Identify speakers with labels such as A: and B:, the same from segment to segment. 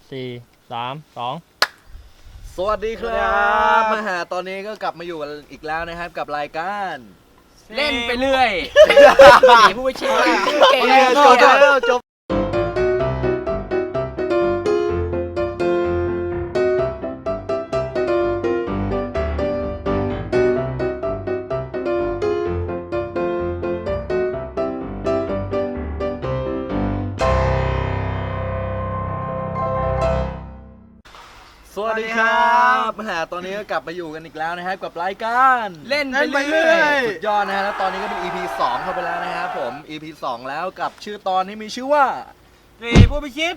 A: สวัสดีครับมาหาตอนนี้ก็กลับมาอยู่กันอีกแล้วนะครับกับรายการ
B: เล่นไปเรื่อยผู้ไปชิมเก่ง
A: จบสวัสดีครับมาหาตอนนี้ก็กลับมาอยู่กันอีกแล้วนะครับกับรายการ
B: เล่นไปเรื่อย
A: สุดยอดนะฮะแล้วตอนนี้ก็เป็น EP 2 เข้าไปแล้วนะครับผม EP 2 แล้วกับชื่อตอนที่มีชื่อว่า
B: ผู้ไปชิด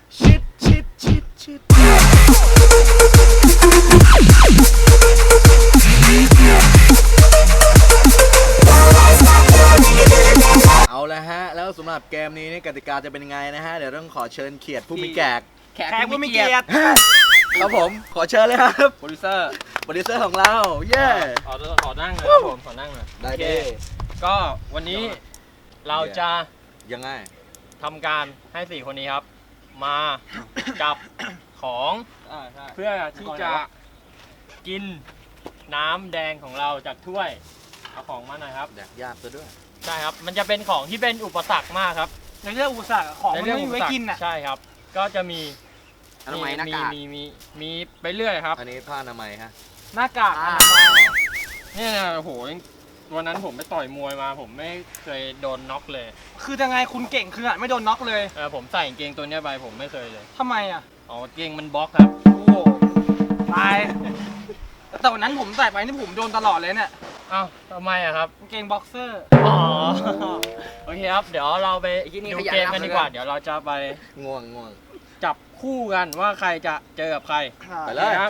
A: เอาละฮะแล้วสำหรับเกมนี้กติกาจะเป็นยังไงนะฮะเดี๋ยวต้องขอเชิญเขียดผู้มีแขก
B: ผู้มีเกียรติ
A: ครับผมขอเชิญเลยครับ
B: โปรดิวเซอร์
A: ของเราเย้
B: ขอนั่งเลยครับผมขอนั่งเลย
A: ได้ดิ
B: ก็วันนี้เราจะ
A: ยังไง
B: ทำการให้4คนนี้ครับมาจับของเพื่อที่จะกินน้ำแดงของเราจากถ้วยเอาของมาหน่อยครับ
A: แดกยากซะด้วย
B: ใช่ครับมันจะเป็นของที่เป็นอุปสรรคมากครับ
C: ในเรื่องอุปสรรคของมันไม่มีไว้กินอ่ะ
B: ใช่ครับก็จะมี
A: อนามัยหน้ากาก
B: มีไปเรื่อยครับ
A: อันนี้ผ้าอนามัยฮะ
C: หน้ากาก
B: เนี่ยโอ้โหวันนั้นผมไปต่อยมวยมาผมไม่เคยโดนน็อกเลย
C: คือยังไงคุณเก่งคือไม่โดนน็อกเลย
B: ผมใส่กางเกงตัวนี้ไปผมไม่เคยเลย
C: ทำไมอ่ะ
B: อ๋อกางเกงมันบล็อกครับ
C: โอ้ตายแต่วันนั้นผมใส่ไปนี่ผมโดนตลอดเลยเนี่ย
B: อ้าวทำไมอะครับ
C: กางเกงบ็อกเซอร์
B: อ๋อโอเคครับเดี๋ยวเราไปดูเกมกันดีกว่าเดี๋ยวเราจะไป
A: ง่วง
B: จับคู่กันว่าใครจะเจอกับใคร
A: ไปเลย
B: ครับ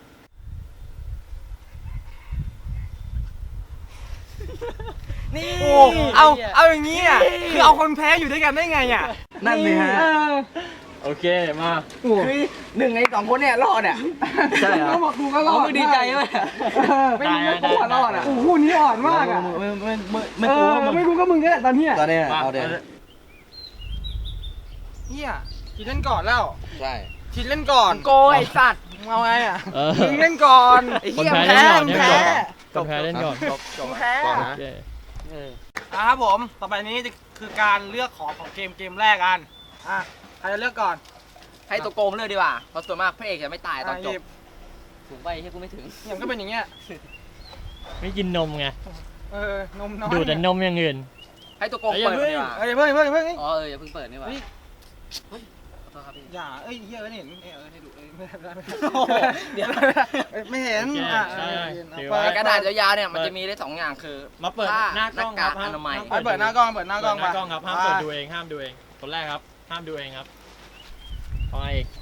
C: นี่เอาอย่างนี้อ่ะคือเอาคนแพ้อยู่ด้วยกันได้ไงอ่ะ
A: นั่นสิฮะ
B: โอเคมา
C: คือ1 ใน 2คนเนี่ยรอดอ่ะ
A: ใช่ครับ
C: บอกกูก็รอด
B: ดีใจเลย
C: ไม่รู้ว่ารอดอ่ะโอ้โหนี่อ่อนมากอ่ะไม่รู้ก็มึงเนี่ยตอนนี้
A: เอาเดี๋ยว
C: เนี่ยทีเล่นก่อนแล้ว
A: ใช่
C: ทีเล่นก่อน
B: โกไอสัตว์
C: เอาไงอ่ะทีเล่นก่อนไอ้เหี้ยแพ้
B: เล่นก่อน
C: แพ้ครับผมต่อไปนี้คือการเลือกของเกมแรกกันใครจะเลือกก่อน
B: ให้ตัวโกงเลือกดีกว่าเพราะส่วนมากพระเอกจะไม่ตายตอนจบถูกไปใช่กูไม่ถึง
C: อย่างก็เป็นอย่างเงี้ย
B: ไม่กินนมไง
C: นมน้อย
B: ดูแต่นมอย่างอื่น
C: ให้ตัวโกงเปิดดีกว่าอย่าเพิ่งอย่าเพิ่ง
B: อย่าเพิ่งเปิดนี่หว่า
C: อย่าเฮียไม่เห็นให้ดูเดี๋ยวไม่เห็น
B: กระดาษยาวๆเนี่ยมันจะมีได้2อย่างคือ
A: มาเปิด
B: หน้ากากอนามัย
C: เปิดหน้ากล้อง
B: ครับห้ามเปิดดูเองห้ามดูเองคนแรกครับห้ามดูเองครับเอาไงอีก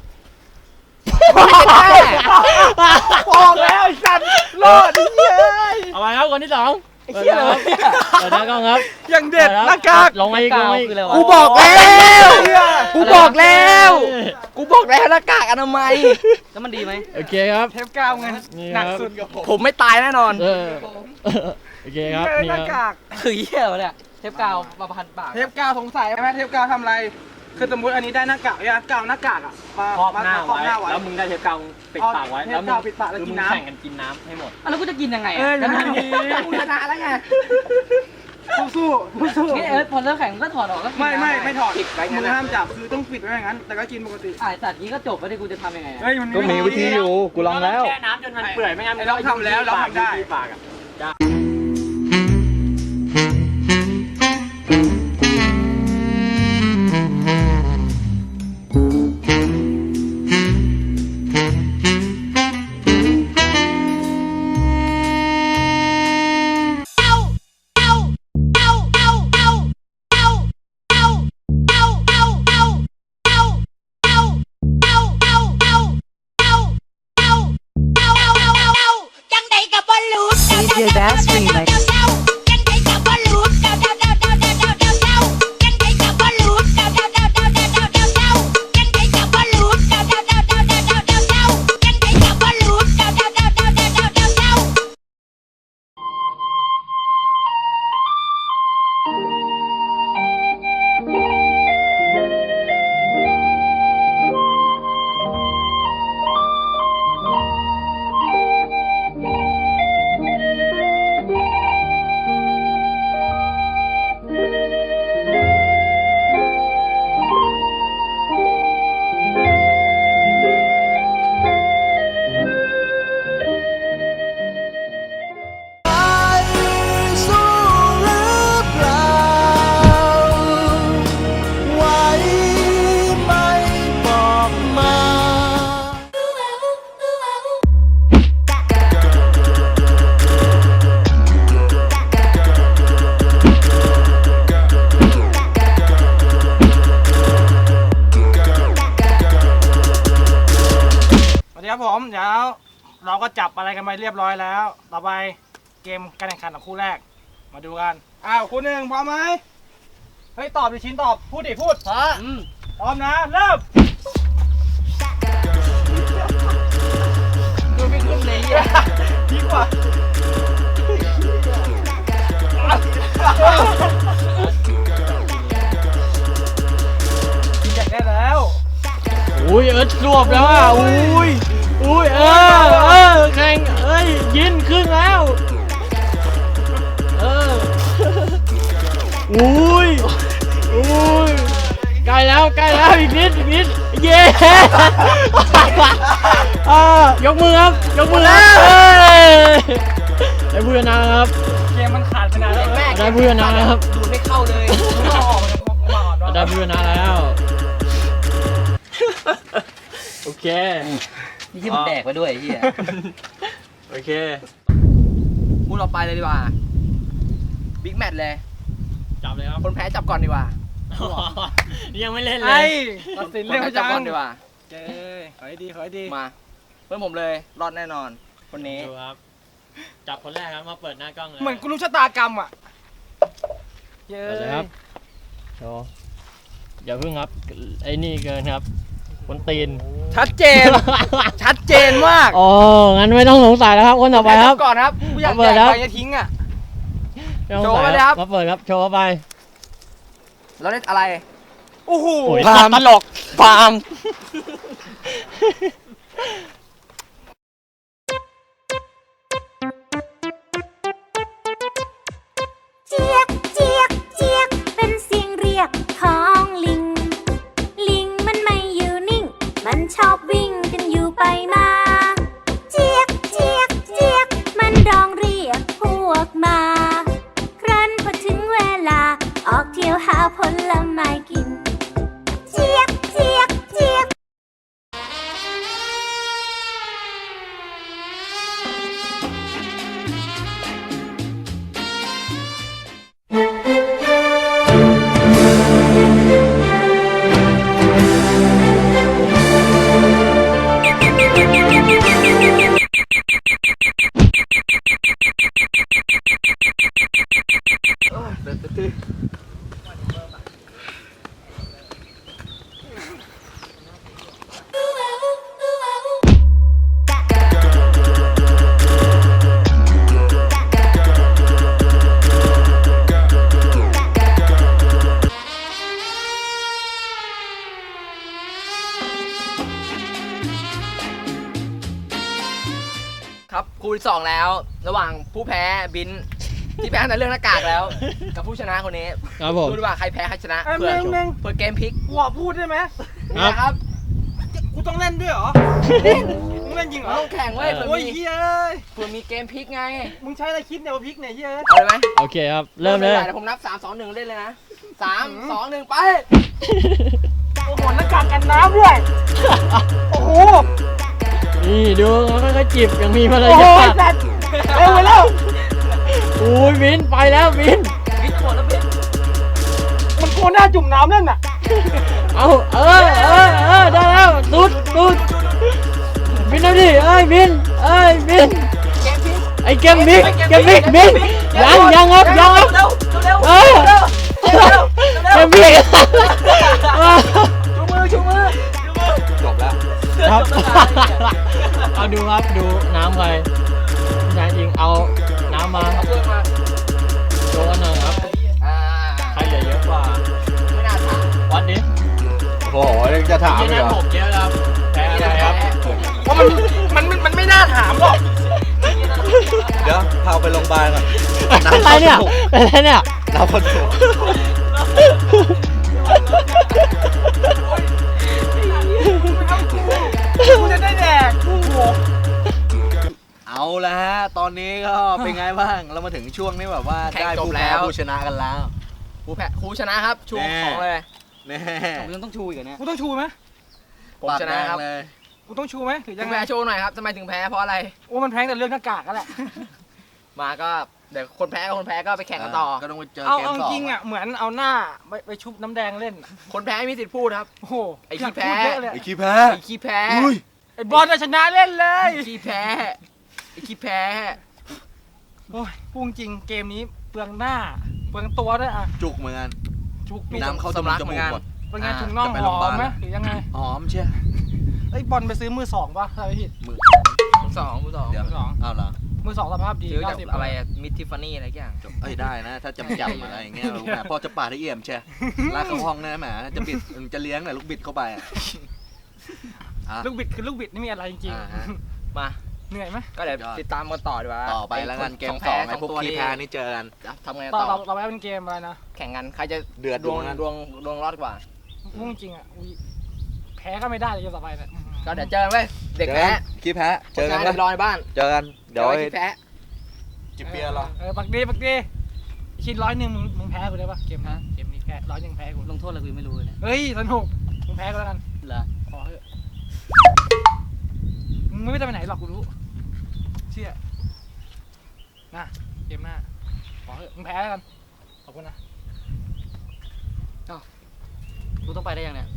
C: บอกแล้วไอ้สัตว์รอดเฮ้ย
B: เอาไปครับคนที่2
C: ไอ้เหี้ยเลย
B: เปิดหน้ากล้องครับ
C: อย่างเด็ดหน้ากาก
B: ลงมาอีก
C: กูบอกแล้วหน้ากากอนามัย
B: แล้วมันดีไหมโอเคครับ
C: เทปกาวไงหนักสุด
B: ผมไม่ตายแน่นอนโอเคครับ
C: หน้ากาก
B: คือเหี้ยเนี่ยเทปกาวมาพันปาก
C: เทปกาวสงสัยไหมเทปกาวทำอะไรคือสมมติอันนี้ได้หน้ากากเนี่ยกาวหน้ากากอ่ะ
B: ครอบหน้าไว้แล้วมึงได้เทปกาวปิดปากไว้แล้วมึง
C: ปิดปากแล้วกินน้ำ
B: แข่งกันกินน้ำให้หมด
C: แล้วกูจะกินยังไงก็ทำดีกูชนะแล้วไงสู้
B: นี่พอเลิกแข่งก็ถอดออกก็
C: ไม่ถอดมือห้ามจับคือต้องปิดไว้อย่างนั้นแต่ก็กินปกติ
B: สัตว์นี้ก็จบแล้วดิกูจะทำยังไง
A: ก็มีวิธีอยู่กูลองแล้ว
B: แช่น้ำจนมันเปื่อยไม่งั้น
C: เราทำแล้วเราทำได้
B: ปากอ่ะ
D: จังใดกับบอลลูน
C: ดีครับผมเดี๋ยวเราก็จับอะไรกันไปเรียบร้อยแล้ว ต่อไปเกมการแข่งขันของคู่แรกมาดูกันคู่หนึ่งพร้อมไหมเฮ้ยตอบดิชิ้นตอบพูดดิพูดพร้อมนะเริ่ม
A: ดูไม่ขึ้นเลยอ่ะ
C: ดีกว่ากินอยากได้แล้ว
B: อุ้ยรวบแล้วอ่ะอุ้ยแข่งยินครึ่งแล้วอุ้ยใกล้แล้วอีกนิดเย้ยกมือครับได้ผู้ชนะครับ
C: เกมมันขาดไปนานแล้ว
B: ได้ผู้ชนะครับ
A: ดูไม่เข้าเลย
C: มาออกมาอ่อน
B: ได้ผู้ชนะแล้วโอเค
A: นี่ที่มันแดกไปด้วยไอ้เหี้ย
B: โอเค
A: พูดต่อไปเลยดีกว่าบิ๊กแมตช์เลย
B: จับเลยครับ
A: คนแพ้จับก่อนดีกว่า
B: ยังไม่เล่นเล
C: ไอ้
B: ย
C: ตัดสิน
A: คน
C: เร็ว
A: แพ้
C: จั
A: จับ
C: ง
A: ก่อนดีกว่า
C: เจ้ขอให้ดี
A: มาเพื่อนผมเลยรอดแน่นอน คนนี้
B: ดูครับ จับคนแรกครับ มาเปิดหน้ากล้องเลย
C: เหมือนกูรู้ชะตากรรมอ่ะเย้
B: เปิดเลยครับโชว์อย่าพึ่งครับ ไอ้นี่เกินครับคนตีน
C: ชัดเจนมาก
B: อ๋อ งั้นไม่ต้องสงสัยแล้วครับ คนต่อไปครับ
C: ก่อนครับกูอยาก
B: เปิ
C: แด
B: ด
C: ก
B: ครับ
C: ไปจะทิ้งอ่ะ
B: ไม่ต้องสงสัย
C: โชว์มาเลยครับ
B: มาเปิดครับ โชว์เข้าไป
A: เราได้อะไร
C: โอ้โห
B: โอ้ย
C: ตลกฟาร์ม
D: เจี๊ยกเจี๊ยกเจี๊ยกเป็นเสียงเรียกของลิง ลิงมันไม่อยู่นิ่ง มันชอบวิ่งกันอยู่ไปมา เจี๊ยกเจี๊ยกเจี๊ยกมันร้องเรียกพวกมา ครั้นพอถึงเวลา ออกเที่ยวหาผลไม้กิน เจี๊ยกเจี๊ยกเจี๊ยก
A: ครับคู่ที่สองแล้ว ระหว่างผู้แพ้บินที่แพ้ในเรื่องหน้ากากแล้ว กับผู้ชนะคนนี้
B: ครับผม
A: ดูดีกว่าใครแพ้ใครชนะ
C: เอ้ย
A: เพื่อ
C: เม่ง
A: เพื่อเกมพลิก
C: กูขอพูดได้ไหม
B: ครับ
A: นะครับ
C: กูต้องเล่นด้วยเหรอมึงเล่นจริงเหรอ
A: ต้องแข่งเว้ยเผื่อ
C: โอ้ย
A: มี
C: เฮ้ย
A: เผื่อมีเกมพลิกไง
C: มึงใช้อะไรคิดเนี่ยว่าพริกเนี่ยเฮ้ย
A: เอาเลยไหม
B: โอเคครับ เริ่มเลย
A: ไดี๋ยวผมนับ 3 2 1 เล่นเลยนะ 3 2 1 ไป
C: โอ้โหหน้ากากกันน้ำด้วย โอ้โห
B: นี่ดูเขาค่อยๆจิบยังมีมาร
C: โอ้โห
B: ยาท
C: สัตว์เร็วไปแล้ว
B: อุ้ยบินไปแล้วบิน
A: พลิกหมดแล้วพลิก
C: มันโคหน้าจุ่มน้ำเล่นน่ะ
B: เอาได้แล้วสุดบินเอาดิบินบิน
A: เกมพลิก
B: ไอเกมบิ๊กบินยังครับ
A: เร็วเร็ว
B: เออ เกมบิ๊ก
A: ชูมือจบแล้ว
B: ครับเอาดูครับดูน้ำไปนายจริงเอาน้ำมา
A: เอาเพื่อนมา
B: โชว์กันหน่อยครับ
A: อ่า
B: ใครเหลือเยอะกว่า
A: ไม่น่าถาม
B: วัดดิ
E: โอ้โหยังจะถาม
B: เย
E: อีก
B: อะ
E: เหรอ
B: ผมเยอะครับแพ้อะไรครับ
C: เพราะมันไม่น่าถามหรอก
E: เดี๋ยวพาไปโรงพยาบาลก่อน
B: อะไรเนี่ยเป็นไรเนี่ย
E: เราคนถูก
C: กูจะได้แดกโอ้โห
A: เอาละฮะ ตอนนี้ก็เป็นไงบ้าง เรามาถึงช่วงนี้แบบว่าได้ผู้แพ้ผู้ชนะกันแล้ว ผู้ชนะครับ ชู
E: แน่
A: ของเลย
E: แน่
A: ผมยังต้องชูอีกเหรอเนี่ย
C: กูต้องชูไหม
A: ผมชนะครับ
E: ปากแดงเลย
C: กูต้องชูไหมหรือ
A: ยั
C: ยัง ง
A: แพ้
C: ไง
A: โชว์หน่อยครับทำไมถึงแพ้เพราะอะไร
C: โอ้มันแพงแต่เรื่องหน้ากากก็แหละ
A: มาก็เดี๋ยวคนแพ้กับคนแพ้ก็ไปแข่งกันต่อ
E: ก็ต้องไปเจอ
C: เอา
E: เกม
C: เอา
E: สอง
C: จริงอ่ะเหมือนเอาหน้าไปชุบน้ำแดงเล่นอะ
A: คนแพ้ไม่มีสิทธิ์พูดครับ
C: โอ้โห
A: ไอ้ขี้แพ้
C: ยากพูดเยอะเลย
E: ไอ้ขี้แพ้
A: ไอ้ขี้แพ้
E: อุ้ย
C: ไอ้บอลน่ะชนะเล่นเลย
A: ขี้แพ้ไอ้ขี้แพ้
C: โอ้ยพูดจริงเกมนี้เปลืองหน้าเปลืองตัวด้วยอ่ะ
E: จุกเหมือนกัน
C: จุก
E: น้ำเข้าจมูกหมด
C: เป็นไงถุงน่อง
E: จะไป
C: ห
E: โรงพยา
C: อบ
E: าม ล
C: ไหมหรือยังไง
E: หอมเชีย
C: ไอ้ยบอลไปซื้อมือสองป่ะถ้าไม่ผิด
E: มือ
A: มือสอง
C: มือสอง
E: อ้าวเหรอ
C: มือสองสภาพดี
A: ซื้อจาก
C: 90
A: อะไรอะมิทิฟานี่อะไรอย่างจบ
E: เอ้ยได้นะ ถ้าจำอะไรอย่างเงี้ยแหมพ่อจะปาดให้เอี่ยมเชียลากเข้าห้องนะแหมจะบิดจะเลี้ยงหน่อยลูกบิดเข้าไปอ่ะ
C: ลูกบิดคือลูกบิดนี่มีอะไรจริง
E: อ่าฮะ
A: มา
C: ๆเหนื่อยไหม
A: ก็เดี๋ยวติดตามกันต่อดีกว่า
E: ต่อไปแล้วกันเกม
A: ของ
E: ส
A: แพ้
E: องไอ้
A: สอง
E: พวก
A: ตัว
E: ขี้
A: นี่
E: แพ้นี่เจอกัน
A: จะทำไง
C: ต่
A: ต่
C: อ
A: อ
C: ต่อไปเป็นเกมอะไรนะ
A: แข่งกันใครจะ
E: เดือด
A: ดวง
E: เหมือนกัน
A: ดวงรอดกว่า
C: พูดจริงอ่ะอุ๊ยแพ้ก็ไม่ได้เลยเกมต่อไปเนี่ย
A: ก็เดี๋ยวเจอกันเว้ยเด็กแพ้
E: ขี้แพ้เจอกัน
A: เรียบร้อยบ้าน
E: เจอกันเดี๋ยว
A: ไขี้แพ้
E: จิบเบียร์เหรอ
C: ปักดีชิ้น100มึงแพ้กูได้ปะเกมนะเกมนี้แพ้100แพ้กู
A: ลงโทษอะไรกูยังไม่รู้เลยเนี่ย
C: เฮ้ยสนุกมึงแพ้ก็แล้วกัน
A: เหรอ
C: ขอเถอะมึงไม่ได้ไปไหนหรอกกูรู้เชื่อนะเกมหน้าขอเถอะมึงแพ้แล้วกันขอบคุณนะ
A: กูต้องไปได้ยังเนี่ย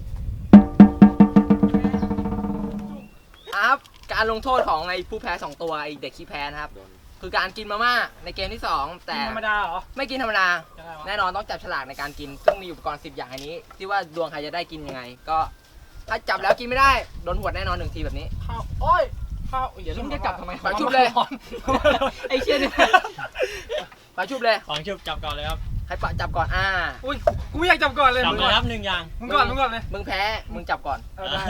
A: ครับการลงโทษของไอ้ผู้แพ้2ตัวไอ้เด็กขี้แพ้นะครับคือการกินมาม่าในเกมที่2แต่
C: ธรรมดาเหรอ
A: ไม่กินธรรมดา
C: ยังไงวะ
A: แน่นอนต้องจับฉลากในการกิน ซึ่งมีอุปกรณ์10อย่างอันนี้ ที่ว่าดวงใครจะได้กินยังไง ก็ถ้าจับแล้วกินไม่ได้โดนหวดแน่นอน1 ทีแบบนี้
C: ข้าวโอ้ยข้าวอย่า
A: มึงจะจับทำไม
C: ปา
A: ปาชุบเลย ไอ้เชี่ยนี่ไปชุบเลย
B: ของชุบจับก่อนเลยครับ
A: ให้ปะจับก่อน
C: อุ้ยกูไม่อยากจับก่อนเลย
B: จับ
C: มึง
B: เล
C: ก่อย น
B: ครับ1 อย่าง
C: มึงก่อนเลย
A: มึงแพ้มึงจับก่อน
C: เออได้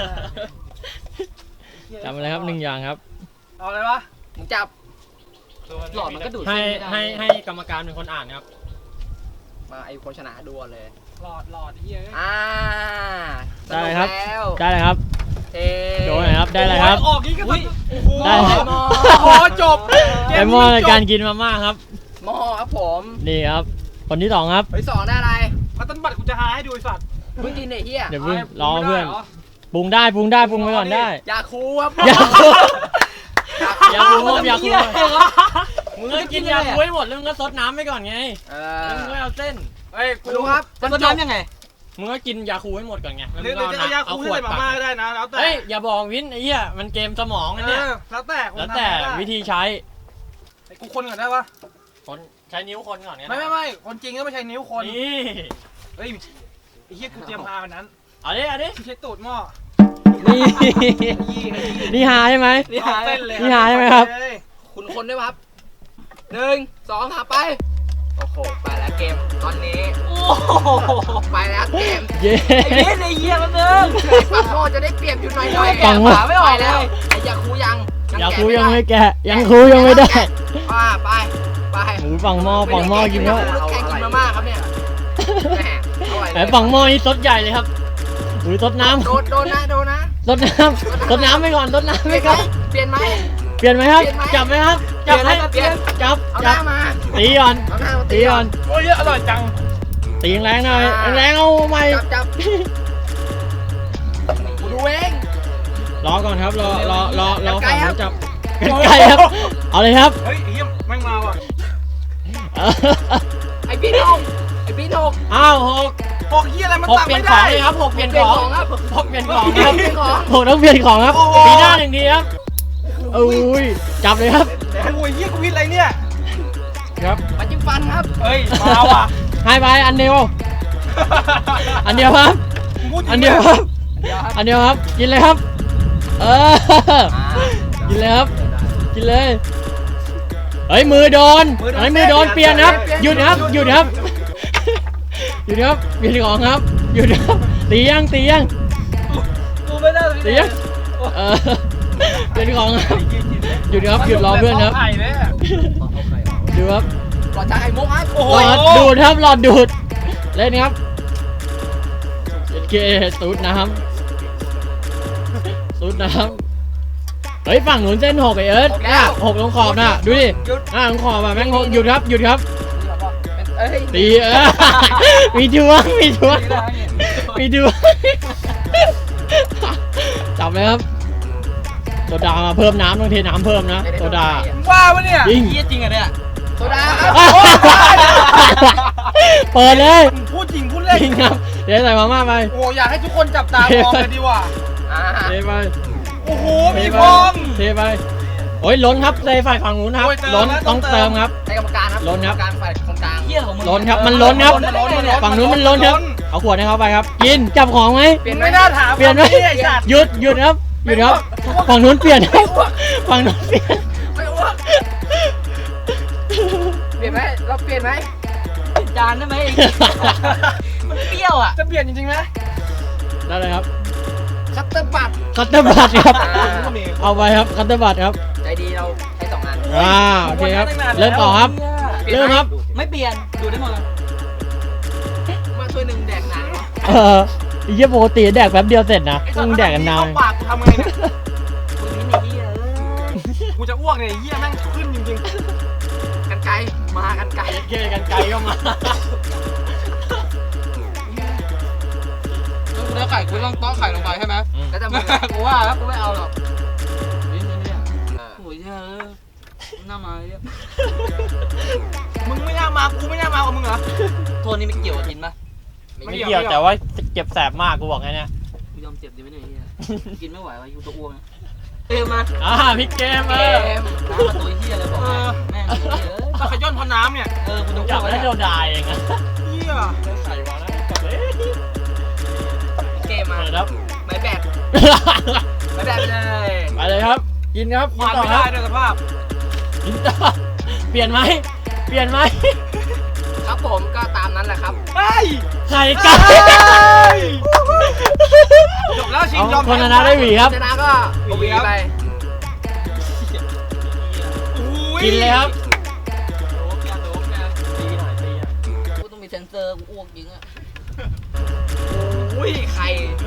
B: จับมาเลยครับ1 อย่างครับ
C: เอาเลยวะ
A: มึงจับหลอดมันก็ดูด
B: ให้
A: เส้นไม่ได้
B: ให้กรรมการเป็นคนอ่านครับ
A: มาไอ้คนชนะดูก่อนเลย
C: หลอดเฮีย
B: ได้ครับ
A: สนุกแล้ว
B: ได้เลยครับ
A: เอ๊ะ
B: โดนเลยครับได้เลยครับ
C: ออกนี้ก็ต้องโอ้โห
B: ได้ครับ
A: โอ้โหจบ
B: ไอหม้อในการกินมาม่าครับ
A: หม้อครับผม
B: นี่ครับ คนที่ 2 ครับ
A: ไปสองได้อะไร
C: มาต้นบัตรกูจะหาให้ดูไอ้สัตว์
A: มึงกินไอ้เหี้ย
B: เดี๋ยวเพิ่งรอเพื่อนปรุงได้ปรุงได้ปรุงไปก่อนได้
A: ยาคูครับ
B: ยาคูยาคูครับยาคูมึงก็กินยาคูให้หมดแล้วมึงก็ซดน้ำไปก่อนไง
A: เอ
B: แล้วมึงก็เอาเส้น
C: เฮ้ย
A: กูรู้ครับจะน้ำยังไง
B: มึงก็กินยาคูให้หมดก่อนไงแล้ว
C: ห
B: มึ
C: รือง
B: ก็
C: จะเอายา
B: เอา
C: คู
B: ข
C: ให้
B: วด
C: ใส่มา
B: ปั
C: ม่าก ก็ได้นะแล้วแต่
B: เฮ้ยอย่าบอกวินไอ้เหี้ยมันเกมสมองนะเนี่ย
C: แล้วแต่คน
B: แล้วแต่
C: ทำได้
B: วิธีใช้
C: กูคนก่อนได้ปะ
B: คนใช้นิ้วคนก่อนไง
C: ไม่คนจริงก็ไม่ใช่นิ้วคน
B: นี่
C: เฮ้ยไอ้เหี้ยกูเตรียมพาวันนั้น
B: เอาดิเอาดิ
C: ใช้ตูดหม้อ
B: นี่นี่หาใช่ไหม
A: นี่หาย
C: เส้นเลย
B: นี่หาใช่ไหมครับ
A: คุณคนด้วยครับ1 2 3ไปโอ้โหไปแล้วเกมตอนนี้โอ้โหไปแล้วเกม
B: เย้
A: ไอ้เหี้ยมันนึงไอ้ฝั่งโม่จะได้เปรียบอยู่หน่อย
B: ฝั่งโม่
A: ไม่ออกแล้วไอ้ยาคูยัง
B: ยาคูยังไม่แกะยังคูยังไม่ได้
A: ไป
B: หมูฝั่งหม้อฝั่งหม้อกินแล้ว
A: แข่งกินมาม่าครับเนี่ยแหมอร่อย
B: ไอ้ฝั่งหม้อนี่ซดใหญ่เลยครับอุ้ยซดน้ำ
A: โดนนะ
B: ซดน้ำไปก่อนซดน้ำไปก่อน
A: เปลี่ยนไหม
B: เปลี่ยนไหมครับ
A: เปลี่ยนไหม
B: จับไหมครับจับไหม
A: เปลี่ยน
B: จับ
A: เอาห
B: จั
A: น้า
B: บ
A: มา
B: ตีก่อน
A: เอาหน้ามา
B: ตีก่อน
C: โอ้ยอร่อยจัง
B: ตีแรงหน่อยแรงเอาใหม่
A: จับกูดูเอง
B: รอก่อนครับรอฝั่ง
A: กันไกลครับ
B: นู้นจับกันไกลครับ เอาเลยครับ
C: เฮ้ยไอ้เหี้ยแม่งมาว่ะ
A: ไอ้พี่นก
B: อ้าวหก
C: หกเหี้ยอะไรมัน
B: หก
C: ตัก
B: เปลี่ย
C: ไม่
B: นขอ
C: ได้
B: งเลยครับหกเปลี่ยน
A: เปลี่
B: ข
A: ยน
B: อง
A: ของครับ
B: หกเปลี่ยนของครับ
A: เปลี่ยนของ
B: หกต้องเปลี่ยนของครับ
C: โอ้โห
B: ปีหน้า1 ทีครับอุ้ยจับเลยครับ
C: โอ้ยเหี้ยกูวิทย์อะไรเนี่ย
B: ครับ
A: มาจิ้มฟันครับ
C: เฮ้ยมาว่ะ
B: ให้ไปอันเดียวอันเดียวครับ
C: พูดจริง
B: อันเดียวครับ อันเดียวครับ กินเลยครับ กินเลยครับ กินเลย เฮ้ยมือโดนเฮ้ยมือโดนเปลี่ยนครับ หยุดครับ หยุดครับ หยุดครับ เปลี่ยนของครับ หยุดครับ ตียัง
C: กูไม่ได้
B: ตียังเปลี่ยนของครับ หยุดครับ หยุดรอเพื่อนครับ
C: ไข่เลยอะ
B: ดูครับ
A: ก่อนจะไอ้มุกครับ
C: โอ้โห
B: หลอดดูดครับ หลอดดูด เล่นครับเกสูดน้ำสูดน้ำเฮ้ยฝั่งหนุนเส้น6ไอเอิร์ธเนี่ย6ลงขอบน่ะดูดิลงขอบอ่ะแม่งหยุดครับหยุดครับ
A: เอ้ย
B: ตีมีดวงจับเลยครับโซดามาเพิ่มน้ำต้องเทน้ำเพิ่มนะโซดา
C: ว้าวะเนี่ย
B: จริง
A: เหี้ยจริงอะเนี่ยโซดาครับ
B: เปิดเลย
C: พูดจริงพูดเล่น
B: จริงครับเดี๋ยวใส่มาม่าไป
C: โอ้อยากให้ทุกคนจับตามองเลยดีกว่า
A: อ่า
B: เทไป
C: โโอ้โหมีพง
B: เทไปโอ้ยล้นครับในฝ่ายฝั่งนู้นครับ
C: โอ้ยเติม
B: ล้น
C: แล้ว
B: ต้องเติมครับ
A: ให้กรรมการครับ
B: ล้นครับ
A: กรรมการฝ่ายคนกลาง
F: เหี้ยของมึง
B: ล้นครับมันล้นครับ ฝั่งนู้นมันล้นครับ เอาขวดให้เขาไปครับ กินจับของไหม
C: เปลี่ยนไม่น่าถาม
B: เปลี่ยนไหม
C: ไอ้สัตว์
B: หยุดครับหยุดครับฝั่งนู้นเปลี่ยนครับฝั่งนู้นเปลี่ยน
A: เปลี่ยนไหมเราเปลี่ยนไหม
F: จานได้ไหมมันเปรี้ยวอ่ะ
C: จะเปลี่ยนจริงๆไหม
B: ได้เลยครับ
A: คัตเตอร์บัต
B: คัตเตอร์บัตครับ เอาไปครับคัตเตอร์บัตครับ
A: ใจดีเราใช้2 อัน
B: โอเคครับ เริ่มต่อครับ เริ่มครับ
F: ไม่เปลี่ยนดูได้หมดเลย
A: มาช่วยหนึ่งแดกหนัง
B: ไอ้เหี้ยปกติแดกแป๊บเดียวเสร็จนะต้องแดกกันนาน
C: เข้ปากกูทำไงเนี่ย
F: มึงนี่ไอ้เหี้ยเอ้ย
C: กูจะอ้วกเนี่ยไอ้เหี้ยแม่งขึ้นจริง
A: กันไกลมากันไกล
B: เกยกันไกลก็มา
A: เนื้อไข่กูต้องต้อไข่ลงไปใช่ไหมก็จะมึงกูว่าแล้วกูไม่เอาหรอก
F: โอ้ยเหี้ยเอ้ยหน้ามาเลย
C: ๆมึงไม่น่ามากูไม่น่ามากับมึงเหรอ
F: โทษนี่ไม่เกี่ยวกับทินปะ
B: ไม่เกี่ยวแต่ว่าเจ็บแสบมากกูบอกไงเนี่ย
F: กูยอมเจ็บดีไหมเนี่ยไอ้เหี้ยกินไม่ไหววะยูตัวอ้วงนะมา
B: พลิกเกม
F: น้ำมาตัวเหี้ยเลยบอกแม่งเหี้ยเอ้ย
C: ถ้าขย้อนพอน้ำเนี่ย
F: กูจะ
B: จั
F: อ้
B: บ
F: วก
B: ได้
F: แล้ว
B: โดนด่าเองอะ
C: เหี้ย
B: ใส่วางแล้วกลับเลย
A: เกมมา
B: เปิดครับ
A: ไม่แบดไม่แบดเลย
B: ไปเลยครับ กินครับ
C: ควาน
B: ต่อ
C: ไม่
B: ค
C: ได้
B: รับ
C: ด้วยสภาพ
B: กินต่อเปลี่ยนไหมเปลี่ยนไหม
A: ครับผมก็ตามนั้นแหละครับ
C: เฮ้ย
B: ไข่ไก่
C: จบแล้วชิง
B: เอา
C: ยอม
B: คนชนะได้หวีครับ
A: ชนะก็เอาหวีไป
B: กินเลยครับ
F: กูต้องมีเซนเซอร์กูอ้วกจริงอ่ะ
A: อุ้ยไข่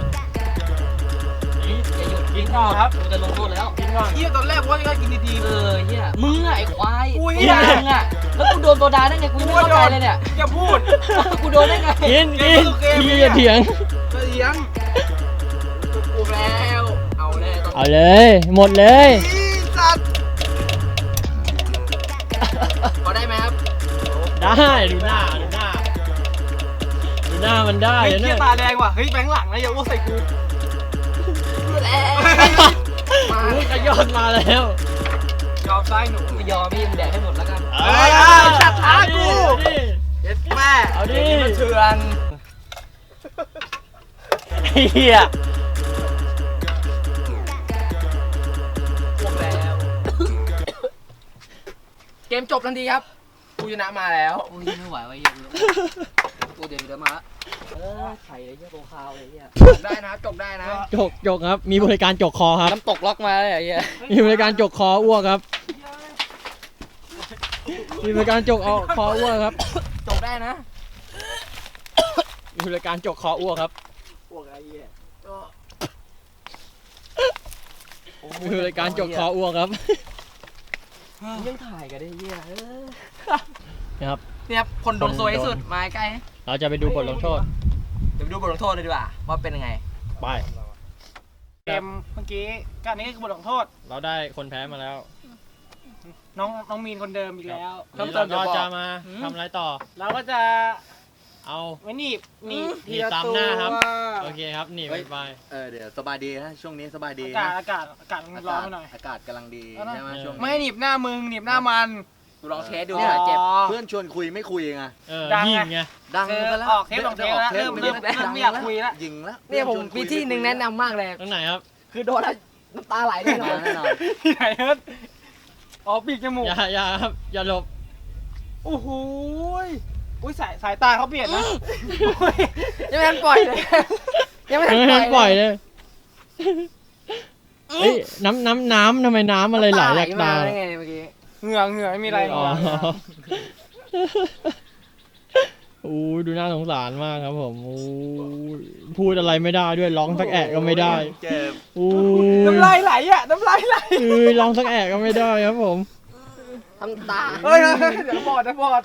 F: อย่าหยุด
B: กินต่อครับ
F: กูจะลงโทษแล้ว
B: กินก่อน
C: เหี้ยตอนแรกว่าจะกินดี
F: เหี้ยมึงอะไอ้ควาย
C: อุ้ย
F: มึงอะแล้วกูโดนโซดาได้ไงกู
C: ๆ
F: ไม่เข้าใจเลยเนี่ย
C: อย่าพูด
F: กูโดนได้ไง
B: กิน
C: เก
B: กิ
C: ม
B: น
C: ก็คือเกม
B: พี่
C: เนี่ย
B: อย่าเถียง
C: เสียง
A: กูแล้วเอาแน่ต้อง
B: เอาเลย หมดเลย
C: อีสัตว์
A: พอได้ไหมครับ
B: ได้ดูหน้ามันได้
C: เฮ้ย
B: เดี๋ยว
C: เหี้
B: เนี่ย ย
C: ตาแดงว่ะเฮ้ยแบงค์หลังนะอย่าอ้วกใส่กู
A: มา
B: อุ้ยขย้อนมาแล้ว
C: ยอมซ้ายหนู
F: ไม่ยอมพี่มึงแดกให้หมดแล้วกัน
C: เอ้ยชัดท้ากู
B: เอาดิ
A: เย็ดแม่
B: เอาดิ
A: ย่งนี้มันเถื่อน
B: ไอ้เหี้ย
A: พวกแล้ว เกมจบทันทีครับกูชนะมาแล้ว
F: โอ้ยไม่ไหววะเหี้ยกูเดี๋ยวมาไข่เลยเหี้ยโตคาวเลยเหี้ย
A: จบได้นะครับจบได้นะ
B: จกครับ มีบริการจกคอครับ
F: น้ำตกล็อกมาเลยไอ้เหี้ย
B: มีบริการจกคออ้วกครับ มีบริการจกเอาคออ้วกครับ
A: จบได้นะ
B: มีบริการจกคออ้วกครับ
A: พวกไอ้เหี้ยก็
B: มีบริการจกคออ้วกครับ
F: ยังถ่ายกันได้เหี้ย
B: นะครับ
A: เนี่ยครับคนโดนซวยที่สุดมาใกล้
B: เราจะไปดูบทลงโทษ
A: เดี๋ยวไปดูบทลงโทษเลยดีกว่าว่าเป็นยังไง
B: ไป
C: เกมเมื่อกี้การนี้คือบทลงโทษ
B: เราได้คนแพ้มาแล้ว
C: น้องมีนคนเดิมอีกแล้ว
B: วันนี้เราก็จะมาทำอะไรต่อ
C: เราก็จะ
B: เอา
C: ไว้หนีบ
B: หนีบตามหน้าครับ โอเคครับหนีไปไป
E: เดี๋ยวสบายดีฮะช่วงนี้สบายดี
C: อากาศมันร้อนไปหน่อย
E: อากาศกำลังดีใช่ไหมช่วง
C: ไม่ให้หนีบหน้ามึงหนีบหน้ามัน
A: กูลองเทสดู
C: อ๋อ
A: หน่อยเจ็บ
E: เพื่อนชวนคุยไม่คุยไง
C: ดังไง
B: ยิงไง
E: ดัง
C: คือ
E: ไปแล้ว
C: ออกเทปลงเทปแล้วเริ่มไม่อยากคุยแล้ว
E: ยิงแล้ว
A: เนี่ยผมมีที่หนึ่งแนะนำมากเลย
B: ตรงไหนครับ
A: คือโดนแล้วน้ำตาไหลแน่นอน
E: แน่นอน
C: ที่ไหนเอิร์ธอ๋อปีกจมูก
B: อย่าครับ อย่าหลบ
C: โอ้โหยอุ้ยสายตาเขาเปลี่ยนนะโอ้ย
A: ยังไม่ทันปล่อยเลยยังไม่ทัน
B: ไม่
A: ปล่
B: ทั
A: อน ย
B: ปล่อยเลยเฮ้ยน้ำทำไมน้ำอะไรไหลจากตา
A: ได้ไงเมื่อกี้
C: เหงื่อไม่มีอะไร
B: อ๋อโอ้ยดูน่าสงสารมากครับผมโอ้ยพูดอะไรไม่ได้ด้วยร้องสักแอะก็ไม่ได้
E: เจ็บ
B: โอ้ย
C: น้ำลายไหลอ่ะน้ำลายไหล
B: ร้องสักแอะก็ไม่ได้ครับผม
A: ทำตา
C: เฮ้ยเดี๋ยวบอด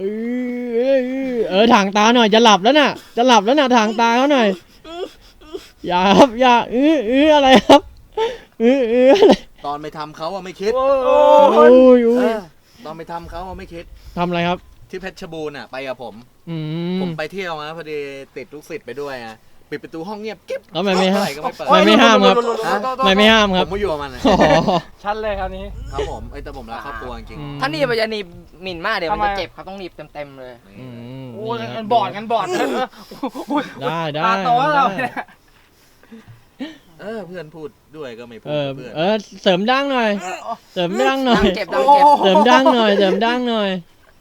B: ถ่างตาหน่อยจะหลับแล้วน่ะถ่างตาเขาหน่อยอย่าครับอย่าอะไรครับอะไร
E: ตอนไปทำเขาอะไม่คิด
C: โอ้
B: โอ้
C: ย
B: ย
E: ตอนไปทำเขาอะไม่คิด
B: ทำอะไรครับ
E: ที่เพชรบูรณ์อะไปกับผม
B: อื
E: ผมไปเที่ยวนะพอดีติดลูกศิษย์ไปด้วยอะปิดประตูห้องเงียบกิ๊บ
G: แล้วไม่ห้าม
E: เท่ไหร่ก็ไม่เปิด
G: ไม่ห้ามครับ
E: ฮะ
G: ไม่ห้ามค
E: ผ
G: รับ
E: มไม่อยู่กับมันนะ
G: อ๋อ
C: ชัดเลยคราวนี้
E: ครับผมแต่ผมรักครอบครัวจริง
F: ถ้าหนีบมันจะหนีบหมิ่นมากเดี๋ยวมัน
C: ทำไม
F: จะเจ็บครับต้องหนีบเต็มๆเลย
G: อืม
C: โอ้ย
G: นี่ค
C: งั
G: รั
C: นบอดงันบอด
G: ได้ได้
C: ตาโตแล้วเราเนี่ย
E: เพื่อนพูดด้วยก็ไม่พูด
G: เออ
E: เพื่อน
G: เสริมดั้งหน่อย เสริมดั้งหน่อย
F: ดังเจ็บดังเจ็บ
G: เสริมดั้งหน่อย เสริมดั้งหน่อย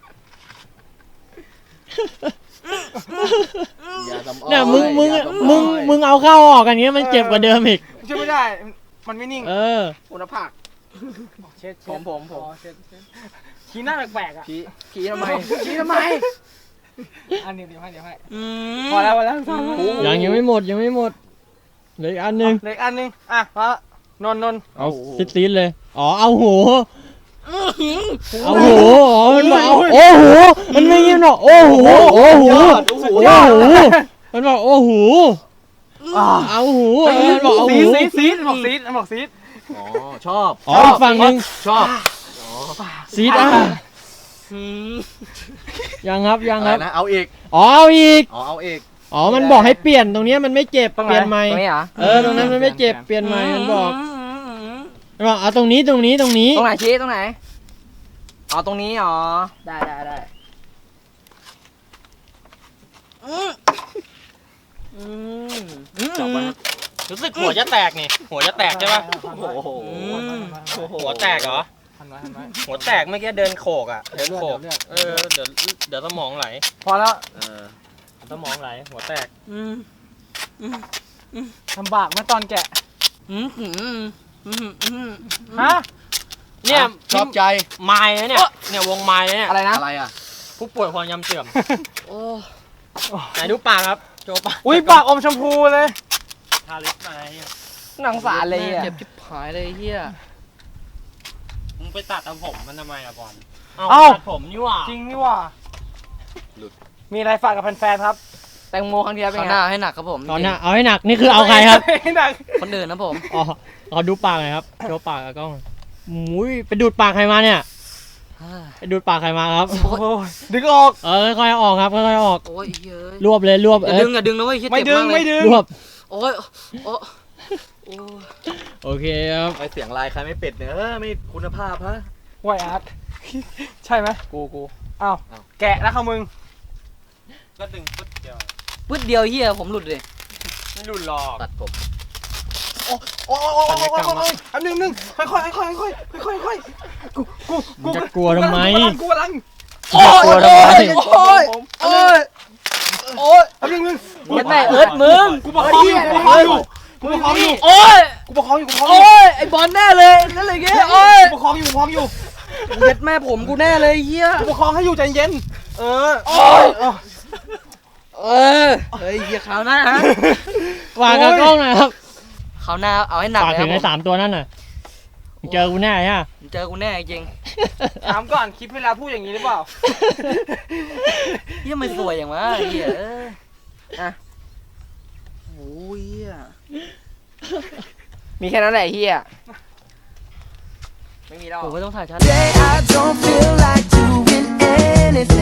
E: อย่าทำอ้อ
G: เนี่ยมึง
E: อย่าทำอ้อย
G: มึงเอาเข้าออกกันเงี้ยมันเจ็บกว่าเดิมอีก
C: ช่วยไม่ได้มันไม่นิ่ง
G: เออ
F: คุณภาพ
C: เช็ด
F: ผม
C: อ๋อเช็ดชี้หน้าแปลกๆอ่ะ
F: ขี้ทำไมขี้ทำไม
C: อันนี้เดี๋ยวให้
F: อื
C: พอแล้วพอแล้ว
G: ยังไม่หมดยังไม่หมดเหลืออีกอันหนึง
C: เหล็กอันนึงอ่ะพระนนท์
G: เอาซีดๆเลยอ๋อเอาหูเอาหูอ๋อมันบอกเอาโอ้หูมันไม่เงี้ยหรอกโอ้หูโอ้หูโอ้หูมันบอกโอ้หูเอาหูมันบอกเอา
C: ซี
G: หู
C: ดซีดบอกซีดบอกซีด
E: อ๋อชอบ
G: อ๋ออีกฝั่งหนึง
E: ชอบ
G: ซีดอ่ะยังครับยัง
E: อะ
G: ค
E: ไร
G: รับ
E: นะเอาอีก
G: อ๋อเอาอีก
E: เอาอีก
G: อ๋อมันบอกให้เปลี่ยนตรงเนี้ยมันไม่เจ็บเปลี่ยนใหม่
F: ตรงนี้เหรอ
G: ตรงนั้นมันไม่เจ็บเปลี่ยนใหม่มันบอกเอาตรงนี้ตรงนี้
F: ตรงไหนชี้ตรงไหนอ๋อตรงนี้อ๋อได้
B: จับไว้ครับรู้สึกหัวจะแตกนี่หัวจะแตกใช่ปะ
E: โอ้โห
B: หัวแตกเหรอ
C: ทันไว้
B: หัวแตกเมื่อกี้เดินโขกอ่ะเดินโขก
C: เลือด
B: เดี๋ยวสมองไหล
C: พอแล้ว
B: สมองไหลหัวแตก
C: ลำบากไหมตอนแกะฮะ
B: เนี่ย
E: ชอบใจ
B: ไม้นะเนี่ยวงไม้เนี่ย
F: อะไรนะ
E: อะไรอ่ะ
B: ผู้ป่วยความจำเสื่อม
F: โอ้
B: ไหนดูปากครับโจปาก
C: อุ้ยปากอมชมพูเลย
B: ทาลิปมา
F: หนังสารเลยอ่ะเจ็บชิบหายเลยเฮีย
B: มึงไปตัดเอาผมมันทำไมอะบอล
C: เอ้า
B: ตัดผมนี่หว่า
C: จริงนี่ว่า
E: หลุด
C: มีอะไรฝากกับแฟนๆครับ
F: แตงโมครั้งที่แล้วเป็นไงหน้าให้หนักครับผม
G: ตอนนี้เอาให้หนักนี่คือเอาใครครับ
C: หนัก
F: คนอื่นนะผม
G: อ๋อขอดูปากหน่อยครับโชว์ปากกับกล้องมุ้ยไปดูดปากใครมาเนี่ยไปดูดปากใครมาครับ
C: โอ้ยดึงออก
G: ค่อยๆออกครับค่อยๆออก
F: โอ้ยเฮ้ย
G: รวบเลยรวบ
F: อย่าดึงนะเว้ยเจ็บ
C: ไม่ดึง
F: มากเลย
C: ไม่ดึง
G: รวบ
F: โอ้ยโอ้ย
G: โอเคครับ
E: ไปเสียงลายใครไม่เป็ดเนี่ยไม่คุณภาพฮะ
C: ไหวอาร์ตใช่ไหม
E: กู
C: อ้าวแกะแล้วเขามึง
B: ก็ดึงปึ๊ดเดียว
F: ปึ๊ดเดียวเฮียผมหลุดเลย
B: ไม่รุนหรอก
E: ตัดผม
C: โอ้ยอันนึงค่อยกู
G: จะกลัวทำไม
C: กูกำลัง
G: จะกลัวทำไม
F: โอ้ยโอ้ยโอ้ย
C: อันนึง
F: เห็นไหมเอิร์ธมึง
C: กูประคองอยู่กูประคองอยู่
F: โอ้ย
C: กูประคองอยู่
F: โอ้ยไอบอลแน่เลยนั่นเลยเงี้ยโอ้ย
C: กูประคองอยู่
F: เย็ดแม่ผมกูแน่เลยเฮีย
C: กูประคองให้อยู่ใจเย็นโอ้ย
F: เฮ้ยเฮียขาวหน้าฮะ
G: วางกับกล้องหน่อยครับ
F: ขาวหน้าเอาให้หนัก
G: ฝาก
F: เลยค
G: ถึ
F: รับ
G: งไอ้
F: ผม
G: 3ตัวนั่นน่ะมึงเจอกูแน่ฮะ
F: เจอกูแน่จริง
C: ถามก่อนคลิปเวลาพูดอย่างนี้หรือเปล่า
F: เฮียมันสวยอย่างวะเฮียอ่ะโอ้ยเฮียมีแค่นั้นแหละเฮียไม่มีแล้วผมไม่ต้องถ่ายชัด
H: I don't feel like doing anything.